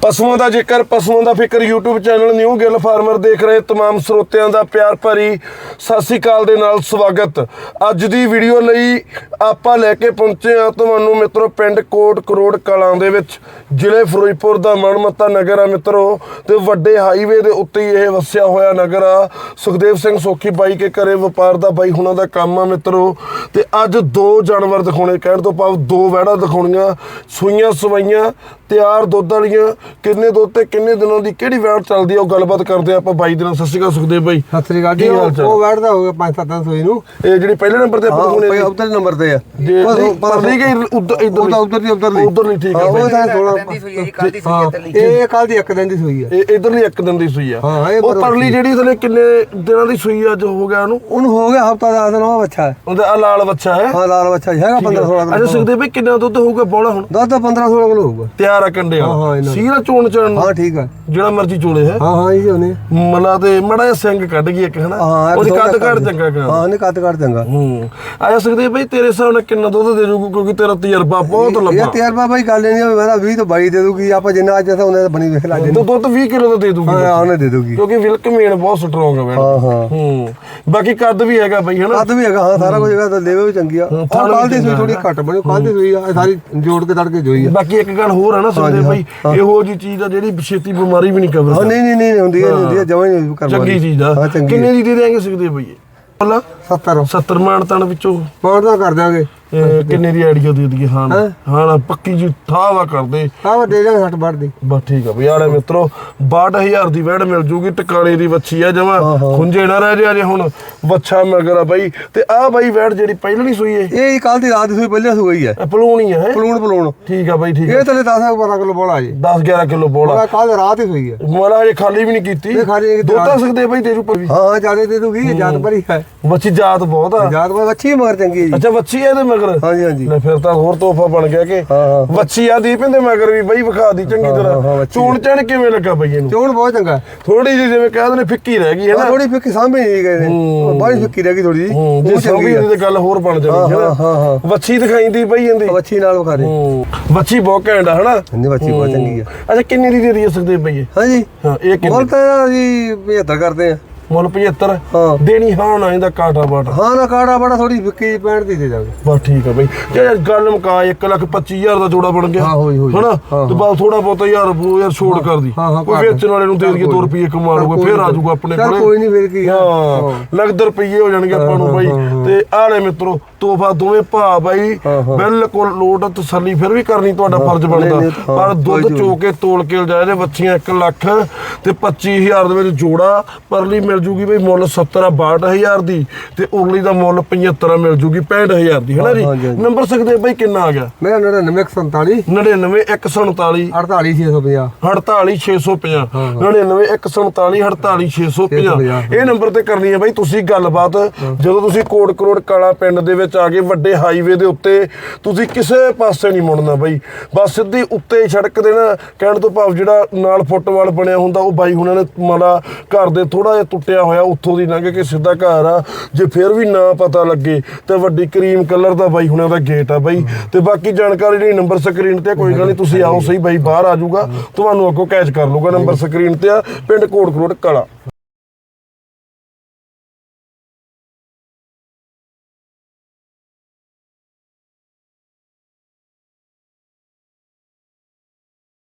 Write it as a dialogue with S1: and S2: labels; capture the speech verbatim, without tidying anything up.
S1: ਪਸ਼ੂਆਂ ਦਾ ਜ਼ਿਕਰ ਪਸ਼ੂਆਂ ਦਾ ਫਿਕਰ YouTube channel new Gill farmer ਦੇਖ ਰਹੇ तमाम ਸਰੋਤਿਆਂ ਦਾ ਪਿਆਰ ਭਰੀ ਸਤਿ ਸ੍ਰੀ ਅਕਾਲ ਦੇ ਨਾਲ ਸਵਾਗਤ। ਅੱਜ ਦੀ ਵੀਡੀਓ ਲਈ ਆਪਾਂ ਲੈ ਕੇ ਪਹੁੰਚੇ ਆ ਤੁਹਾਨੂੰ ਮਿੱਤਰੋ ਪਿੰਡ ਕੋਟ ਕਰੋੜ ਕਲਾਂ ਦੇ ਵਿੱਚ ਜ਼ਿਲ੍ਹੇ ਫਿਰੋਜ਼ਪੁਰ ਦਾ ਮਨਮੱਤਾ ਨਗਰ ਆ ਮਿੱਤਰੋ, ਤੇ ਵੱਡੇ ਹਾਈਵੇ ਦੇ ਉੱਤੇ ਇਹ ਵਸਿਆ ਹੋਇਆ ਨਗਰ ਆ। ਸੁਖਦੇਵ ਸਿੰਘ ਸੋਖੀ ਬਾਈ ਕੇ ਘਰੇ ਵਪਾਰ ਦਾ ਬਾਈ ਹੁਣਾਂ ਦਾ ਕੰਮ ਆ ਮਿੱਤਰੋ। ਤੇ ਅੱਜ ਦੋ ਜਾਨਵਰ ਦਿਖਾਉਣੇ, ਕਹਿਣ ਤੋਂ ਭਾਵ ਦੋ ਵਹਿੜਾਂ ਦਿਖਾਉਣੀਆਂ, ਸੂਈਆਂ ਸਵਾਈਆਂ ਤਿਆਰ ਦੁੱਧ ਵਾਲੀਆਂ। ਕਿੰਨੇ ਦੁੱਧ ਤੇ ਕਿੰਨੇ ਦਿਨਾਂ ਦੀ ਕਿਹੜੀ ਵੈੜ ਚੱਲਦੀ ਆ ਉਹ ਗੱਲਬਾਤ ਕਰਦੇ ਆਪਾਂ ਬਾਈ ਦੇ ਨਾਲ। ਸਤਿ ਸ਼੍ਰੀ ਅਕਾਲ ਸੁਖਦੇਵ ਬਾਈ।
S2: ਸਤਿ ਸ਼੍ਰੀ ਅਕਾਲ ਜੀ। ਉਹ ਵੈੜ ਦਾ ਹੋ ਗਿਆ ਪੰਜ ਸੱਤ ਸੌ ਨੂੰ, ਇਹ
S1: ਜਿਹੜੀ ਪਹਿਲੇ ਨੰਬਰ ਤੇ ਆਪਾਂ
S2: ਦਿਖਾਉਣੇ ਉਧਰ ਨੰਬਰ ਤੇ ਆ।
S1: ਪਰਲੀ ਗਈ ਉਧਰ ਇਧਰ
S2: ਉਧਰ ਦੀ ਉਧਰ ਦੀ
S1: ਉਧਰ ਨਹੀਂ ਠੀਕ ਆ।
S2: ਉਹ ਤਾਂ ਸੋਲਾਂ ਦੀ ਸੂਈ ਹੈ ਜੀ, ਕੱਲ ਦੀ ਸੂਈ ਹੈ। ਇਹ ਕੱਲ ਦੀ ਇੱਕ ਦਿਨ ਦੀ ਸੂਈ ਆ।
S1: ਇਹ ਇਧਰਲੀ ਇੱਕ ਦਿਨ ਦੀ ਸੂਈ ਆ। ਉਹ ਪਰਲੀ ਜਿਹੜੀ ਥਲੇ ਕਿੰਨੇ ਦਿਨਾਂ ਦੀ ਸੂਈ ਅੱਜ ਹੋ ਗਿਆ ਉਹਨੂੰ?
S2: ਉਹਨੂੰ ਹੋ ਗਿਆ ਹਫਤਾ ਦਸ ਦਿਨ। ਉਹ ਬੱਚਾ ਹੈ,
S1: ਉਹਦਾ ਲਾਲ ਬੱਚਾ ਹੈ।
S2: ਹਾਂ ਲਾਲ ਬੱਚਾ ਹੈਗਾ ਪੰਦਰਾਂ ਸੋਲਾਂ ਕਿਲੋ।
S1: ਅੱਛਾ ਸੁਖਦੇਵ ਬਾਈ ਕਿੰਨਾ ਦੁੱਧ ਹੋਊਗਾ ਬੋਲਾ ਹੁਣ?
S2: ਦੁੱਧ ਪੰਦਰਾਂ ਸੋਲਾਂ ਕਿਲੋ ਹੋਊਗਾ ਤਿਆਰ
S1: ਆ ਕੰਡੇ ਵਾਲਾ। ਸੀਰਾ ਚੋਣ ਚਣ
S2: ਹਾਂ ਠੀਕ ਆ,
S1: ਜਿਹੜਾ ਮਰਜੀ ਚੋਲੇ ਹੈ।
S2: ਹਾਂ ਹਾਂ ਜੀ ਉਹਨੇ
S1: ਮਲਾ ਤੇ ਮੜਾ ਜਿਹਾ ਸਿੰਘ ਕੱਢ ਗਈ ਇੱਕ, ਹਨਾ? ਉਹਦੀ ਕੱਦ ਘੜ ਚੰਗਾ ਕਰ।
S2: ਹਾਂ ਉਹਨੇ ਕੱਦ ਘੜ ਚੰਗਾ।
S1: ਹੂੰ ਆ ਸਕਦੇ ਬਈ ਤੇਰੇ ਹਿਸਾਬ ਨਾਲ ਕਿੰਨਾ ਦੁੱਧ ਦੇ ਜੂਗੀ, ਕਿਉਂਕਿ ਤੇਰਾ ਤਜਰਬਾ ਬਹੁਤ ਲੰਬਾ।
S2: ਇਹ ਤਜਰਬਾ ਬਾਈ ਗੱਲ ਨਹੀਂ ਆ, ਮੇਰਾ ਵੀਹ ਤੋਂ ਬਾਈ ਦੇ ਦੂਗੀ। ਆਪਾਂ ਜਿੰਨਾ ਅੱਜ ਉਹਨੇ ਬਣੀ ਵੇਖ ਲਾ।
S1: ਦੁੱਧ ਵੀਹ ਕਿਲੋ ਦਾ ਦੇ ਦੂਗੀ।
S2: ਹਾਂ ਉਹਨੇ ਦੇ ਦੂਗੀ,
S1: ਕਿਉਂਕਿ ਵਿਲਕ ਮੇਨ ਬਹੁਤ ਸਟਰੋਂਗ ਹੈ।
S2: ਹਾਂ ਹਾਂ
S1: ਹੂੰ ਬਾਕੀ ਕੱਦ ਵੀ ਹੈਗਾ ਬਈ, ਹਨਾ?
S2: ਕੱਦ ਵੀ ਹੈਗਾ, ਹਾਂ ਸਾਰਾ ਕੁਝ ਹੈਗਾ। ਲੇਵੇ ਵੀ ਚੰਗੀ ਆ। ਕੱਲ ਦੀ ਸੂਈ ਥੋੜੀ ਘੱਟ ਬਣੀ, ਕੱਲ ਦੀ ਸੂਈ ਆ ਸਾਰੀ ਜੋੜ ਕੇ ਤੜਕੇ ਜੋਈ ਆ।
S1: ਬਾਕੀ ਇੱਕ ਗੱਲ ਹੋਰ ਹੈ ਨਾ ਸੁਣਦੇ ਬਈ, ਇਹੋ ਜੀ ਚੀਜ਼ ਆ ਜਿਹੜੀ ਛੇਤੀ ਬਿਮਾਰੀ ਵੀ ਨਹੀਂ ਕਵਰ
S2: ਕਰਦੀ। ਨਹੀਂ ਨਹੀਂ ਨਹੀਂ ਹੁੰਦੀ, ਹੁੰਦੀ ਜਮਾਂ ਹੀ ਨਹੀਂ ਕਰਦੀ।
S1: ਚੰਗੀ ਚੀਜ਼ ਆ। ਕਿੰਨੇ ਦੀ ਦੇ ਦੇਾਂਗੇ ਸਕਦੇ ਬਈ? ਪਹਿਲਾਂ
S2: ਸੱਤਰ
S1: ਸੱਤਰ ਮਾਨ ਤਣ ਵਿੱਚੋਂ
S2: ਮਾਨ ਤਾਂ ਕਰ ਦਿਆਂਗੇ।
S1: ਕਿੰਨੇ ਦੀ ਆਈਡੀਆ ਦੇ ਦਈਏ? ਹਾਂ ਹਾਂ ਪੱਕੀ ਜੀ ਠਾਵਾ ਕਰਦੇ
S2: ਠਾਵਾ ਦੇ ਜਾਵਾਂਗੇ ਸੱਠ ਬਾਹਠ ਦੀ।
S1: ਬਸ ਠੀਕ ਆ ਬਈ। ਆਲੇ ਮਿੱਤਰੋ ਬਾਹਠ ਹਜ਼ਾਰ ਦੀ ਵੈੜ ਮਿਲ ਜੂਗੀ। ਟਿਕਾਣੇ ਦੀ ਵੱਛੀ ਆ, ਜਮਾ ਖੁੰਝੇ ਨਾ ਰਹਿ ਜਾ ਜੇ ਹੁਣ ਵੱਛਾ ਮਗਰ ਆ ਬਈ। ਤੇ ਆਹ ਬਾਈ ਵੈੜ ਜਿਹੜੀ ਪਹਿਲਾਂ ਨਹੀਂ ਸੂਈ ਇਹ
S2: ਇਹ ਕੱਲ ਦੀ ਰਾਤ ਦੀ ਸੂਈ ਪਹਿਲਾਂ ਸੂਈ ਆ।
S1: ਪਲੂਣੀ ਆ?
S2: ਪਲੂਣ ਪਲੂਣ ਠੀਕ
S1: ਆ ਬਾਈ ਠੀਕ
S2: ਆ। ਇਹ ਥਲੇ ਦਸ ਬਾਰਾਂ ਕਿਲੋ ਬੋਲਾ ਜੀ,
S1: ਦਸ ਗਿਆਰਾਂ ਕਿਲੋ ਬੋਲਾ।
S2: ਕੱਲ ਰਾਤ ਹੀ ਸੂਈ ਆ।
S1: ਮਾਲਾ ਹਜੇ ਖਾਲੀ ਵੀ ਨਹੀਂ ਕੀਤੀ। ਦੁੱਧ ਤਾਂ ਸਕਦੇ ਬਾਈ ਦੇ ਜੂ?
S2: ਹਾਂ ਜਿਆਦਾ ਦੇ ਦੂਗੀ, ਜਾਤ ਭਰੀ ਹੈ।
S1: ਵੱਛੀ ਜਾਤ ਬਹੁਤ ਆ।
S2: ਜਾਤ ਵੱਛੀ ਮਗਰ ਚੰਗੀ ਹੈ ਜੀ।
S1: ਅੱਛਾ ਵੱਛੀ ਇਹਦੇ ਮਗਰ?
S2: ਹਾਂਜੀ ਹਾਂਜੀ।
S1: ਫਿਰ ਤਾਂ ਹੋਰ ਤੋਹਫਾ ਬਣ ਗਿਆ ਕਿ ਵੱਛੀ ਆ ਦੀਪ ਇਹਦੇ ਮਗਰ ਵੀ ਬਈ ਵਿਖਾ ਦੀ ਚੰਗੀ ਤਰ੍ਹਾਂ। ਚੋਣ ਚਣ ਕਿਵੇਂ ਲੱਗਾ ਬਈ ਇਹਨੂੰ?
S2: ਚੋਣ ਬਹੁਤ ਚੰਗਾ।
S1: ਥੋੜੀ ਜਿਹੀ ਜਿਵੇਂ ਕਹਿੰਦੇ ਨੇ ਫਿੱਕੀ ਰਹਿ ਗਈ ਹੈ ਨਾ?
S2: ਥੋੜੀ ਫਿੱਕੀ ਸਾਂਭੀ ਨਹੀਂ ਗਏ ਨੇ, ਬਾਹਲੀ ਫਿੱਕੀ ਰਹਿ ਗਈ ਥੋੜੀ ਜਿਹੀ।
S1: ਜੇ ਸਾਂਭੀ ਇਹਦੀ ਤੇ ਗੱਲ ਹੋਰ ਬਣ ਜਾਣੀ ਹੈ ਨਾ। ਵੱਛੀ ਦਿਖਾਈਂਦੀ ਬਈ ਇਹਦੀ।
S2: ਵੱਛੀ ਨਾਲ ਵਿਖਾ ਦੇ।
S1: ਵੱਛੀ ਬਹੁਤ ਘੈਂਟ ਆ, ਹਨਾ?
S2: ਹਾਂਜੀ ਵੱਛੀ ਬਹੁਤ ਚੰਗੀ ਆ।
S1: ਅੱਛਾ ਕਿੰਨੇ ਦੀ ਦੇ ਰਹੀ ਸਕਦੇ ਬਈ ਇਹ?
S2: ਹਾਂਜੀ
S1: ਹਾਂ ਇਹ ਕਿੰਨੇ?
S2: ਮੁੱਲ ਤਾਂ ਜੀ ਪਝੱਤਰ ਕਰਦੇ ਆ।
S1: ਮੁੱਲ ਪਝੱਤਰ ਦੇਣੀ? ਹਾਂ ਨਾ ਇਹਦਾ ਕਾਟਾ ਬਾਟਾ? ਹਾਂ ਨਾ ਕਾਟਾ ਬਾਟਾ ਥੋੜੀ ਫਿੱਕੀ ਪੈਂਹਠ ਦੀ ਦੇ ਜਾਵੇ। ਬਸ ਠੀਕ ਆ ਬਈ। ਜੇ ਗੱਲ ਮੁਕਾ ਇੱਕ ਲੱਖ ਪੱਚੀ ਹਜ਼ਾਰ ਦਾ ਜੋੜਾ ਬਣ ਗਿਆ, ਹਨਾ? ਤੇ ਬਸ ਥੋੜਾ ਬਹੁਤਾ ਯਾਰ ਯਾਰ ਛੋੜ ਕਰਦੀ। ਕੋਈ ਵੇਚਣ ਵਾਲੇ ਨੂੰ ਦੇ ਦਈਏ ਦੋ ਰੁਪਏ ਕਮਾ ਲੂਗਾ, ਫੇਰ ਆ ਜਾਊਗਾ ਆਪਣੇ ਕੋਲੇ।
S2: ਕੋਈ ਨਹੀਂ ਫੇਰ ਕੀ।
S1: ਹਾਂ ਲੱਖ ਰੁਪਏ ਹੋ ਜਾਣਗੇ ਆਪਾਂ ਨੂੰ ਬਾਈ। ਤੇ ਆਲੇ ਮਿੱਤਰੋ ਤੋਹਫਾ ਦੋਵੇਂ ਭਾ ਬਾਈ ਬਿਲਕੁਲ ਲੋਟ ਤਸੱਲੀ ਫਿਰ ਵੀ ਕਰਨੀ ਤੁਹਾਡਾ ਫਰਜ਼ ਬਣਦਾ। ਪਰ ਦੁੱਧ ਚੋ ਕੇ ਤੋਲ ਕੇ ਲਿਜਾਏ ਜੇ ਵੱਛੀਆਂ ਇੱਕ ਲੱਖ ਤੇ ਪੱਚੀ ਹਜ਼ਾਰ ਦੇ ਵਿੱਚ ਜੋੜਾ। ਪਰਲੀ ਮਿਲ ਜੂਗੀ ਬਈ ਮੁੱਲ ਸੱਤਰ ਆ ਬਾਹਠ ਹਜ਼ਾਰ ਦੀ, ਤੇ ਉਰਲੀ ਦਾ ਮੁੱਲ ਪਝੱਤਰ ਮਿਲ ਜੂਗੀ ਪੈਂਹਠ ਹਜ਼ਾਰ ਦੀ, ਹਨਾ ਜੀ? ਨੰਬਰ ਸਕਦੇ ਬਾਈ ਕਿੰਨਾ ਆ ਗਿਆ? ਮੇਰਾ
S2: ਨੜਿਨਵੇਂ ਇੱਕ ਸੌ ਸੰਤਾਲੀ
S1: ਨੜਿਨਵੇਂ ਇੱਕ ਸੌ ਉਨਤਾਲੀ
S2: ਅੜਤਾਲੀ ਛੇ ਸੌ ਪੰਜਾਹ
S1: ਅੜਤਾਲੀ ਛੇ ਸੌ ਪੰਜਾਹ ਨੜਿਨਵੇਂ ਇੱਕ ਸੌ ਉਨਤਾਲੀ ਅੜਤਾਲੀ ਛੇ ਸੌ ਪੰਜਾਹ। ਇਹ ਨੰਬਰ ਤੇ ਕਰਨੀ ਹੈ ਬਾਈ ਤੁਸੀਂ ਗੱਲਬਾਤ। ਜਦੋਂ ਤੁਸੀਂ ਕੋਟ ਕਰੋੜ ਕਾਲਾ ਪਿੰਡ ਦੇ ਵਿੱਚ ਆ ਗਏ ਵੱਡੇ ਹਾਈਵੇ ਦੇ ਉੱਤੇ, ਤੁਸੀਂ ਕਿਸੇ ਪਾਸੇ ਨਹੀਂ ਮੁੜਨਾ ਬਾਈ। ਬਸ ਸਿੱਧੀ ਉੱਤੇ ਸੜਕ ਦੇ ਨਾ, ਕਹਿਣ ਤੋਂ ਭਾਵ ਜਿਹੜਾ ਨਾਲ ਫੁੱਟਬਾਲ ਬਣਿਆ ਹੁੰਦਾ ਉਹ ਬਾਈ ਹੁਣਾਂ ਨੇ ਮਾੜਾ ਘਰ ਦੇ ਥੋੜਾ ਜਿਹਾ ਟੁੱਟਿਆ ਹੋਇਆ ਉੱਥੋਂ ਦੀ ਲੰਘ ਕੇ ਸਿੱਧਾ ਘਰ ਆ। ਜੇ ਫਿਰ ਵੀ ਨਾ ਪਤਾ ਲੱਗੇ ਤੇ ਵੱਡੀ ਕਰੀਮ ਕਲਰ ਦਾ ਬਾਈ ਹੁਣਾਂ ਦਾ ਗੇਟ ਆ ਬਾਈ। ਤੇ ਬਾਕੀ ਜਾਣਕਾਰੀ ਜਿਹੜੀ ਨੰਬਰ ਸਕਰੀਨ ਤੇ, ਕੋਈ ਗੱਲ ਨਹੀਂ ਤੁਸੀਂ ਆਓ ਸਹੀ ਬਾਈ ਬਾਹਰ ਆ ਜਾਊਗਾ, ਤੁਹਾਨੂੰ ਅੱਗੋਂ ਕੈਚ ਕਰ ਲੂਗਾ। ਨੰਬਰ ਸਕਰੀਨ ਤੇ ਆ, ਪਿੰਡ ਕੋਟ ਕਰੋੜ ਕਾਲਾ।